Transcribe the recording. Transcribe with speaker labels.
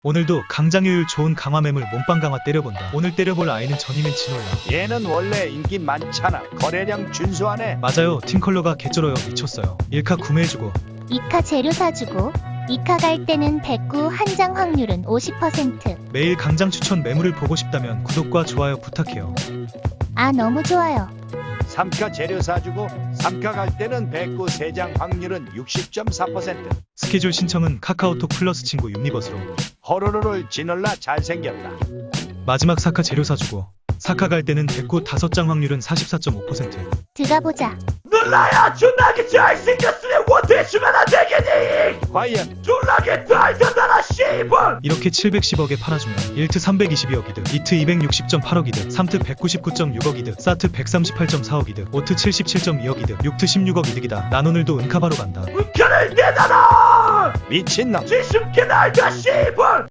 Speaker 1: 오늘도 강장효율 좋은 강화매물 몸빵 강화 때려본다. 오늘 때려볼 아이는 전임인 진올라.
Speaker 2: 얘는 원래 인기 많잖아. 거래량 준수하네.
Speaker 1: 맞아요. 팀컬러가 개쩔어요. 미쳤어요. 1카 구매해주고
Speaker 3: 2카 재료 사주고 2카 갈 때는 109 한장 확률은 50%.
Speaker 1: 매일 강장 추천 매물을 보고 싶다면 구독과 좋아요 부탁해요.
Speaker 3: 아 너무 좋아요.
Speaker 2: 3카 재료 사주고 3카 갈 때는 109 3장 확률은 60.4%.
Speaker 1: 스케줄 신청은 카카오톡 플러스 친구 유니버스로.
Speaker 2: 호로로를 지놀라 잘생겼다.
Speaker 1: 마지막 4카 재료 사주고 4카 갈 때는 109 5장 확률은 44.5%.
Speaker 3: 들어가보자.
Speaker 2: 놀라야 존나게 잘생겼으니 원대주면 안 되겠니? 과연 졸라게 잘생겼다 씨발.
Speaker 1: 이렇게 710억에 팔아주면 1트 322억 이득, 2트 260.8억 이득, 3트 199.6억 이득, 4트 138.4억 이득, 5트 77.2억 이득, 6트 16억 이득이다. 난 오늘도 은카바로 간다.
Speaker 2: 은카를 내놔라. 미친놈 70개 날다 씨발.